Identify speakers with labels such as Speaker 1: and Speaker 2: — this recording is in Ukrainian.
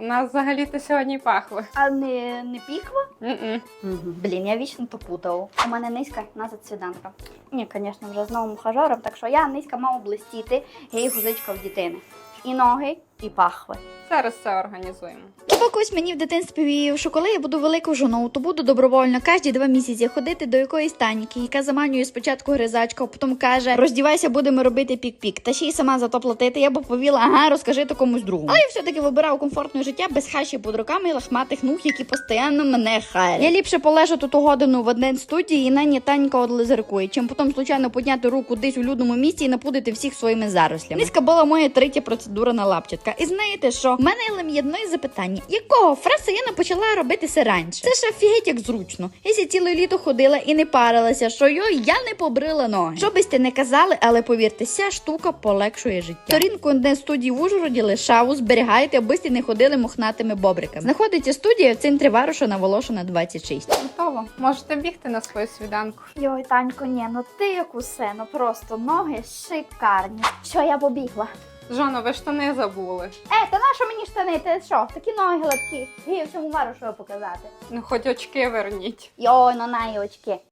Speaker 1: нас взагалі-то сьогодні пахло.
Speaker 2: А не піква?
Speaker 1: М-м.
Speaker 2: Блін, я вічно то путав. У мене низька назад свіданка. Ні, звісно, вже з новим ухажером, так що я низька мав блистіти, я і гузичка в дітини. І ноги, і пахви.
Speaker 1: Зараз це організуємо.
Speaker 2: Якось мені в дитинстві віяв, що коли я буду великою жоною, то буду добровольно кожні 2 місяці ходити до якоїсь таніки, яка заманює спочатку гризачка, а потім каже: роздівайся, будемо робити пік-пік. Та ще й сама за то платити. Я б повіла, ага, розкажи то комусь другому. Але я все-таки вибирав комфортне життя без хащі під руками і лахматих ног, які постійно мене хаять. Я ліпше полежу тут годину в один студії і нині Танька одлизеркує, чим потім случайно підняти руку десь у людному місці і напудити всіх своїми зарослями. Низька була моя третя процедура на лапчатка. І знаєте що? В мене є одне запитання. Якого фреса я не почала робити це раніше? Це ж офігеть як зручно. Я ся ціле літо ходила і не парилася, що я не побрила ноги. Що би сте не казали, але повірте, ця штука полегшує життя. Сторінку одне студії в Ужгороді лишаву, зберігайте, аби сте не ходили мохнатими бобриками. Знаходиться студія в центрі Варуша на Волошина 26.
Speaker 1: Готово. Можете бігти на свою свіданку.
Speaker 2: Йой, Танько, ні, ну ти як усе, ну просто ноги шикарні. Що, я побігла?
Speaker 1: Жоно, ви штани забули.
Speaker 2: Та нащо мені штани? Ти що? Такі ноги гладкі. Я всьому Варушову показати.
Speaker 1: Ну, хоч очки верніть.
Speaker 2: Йой, ну на очки.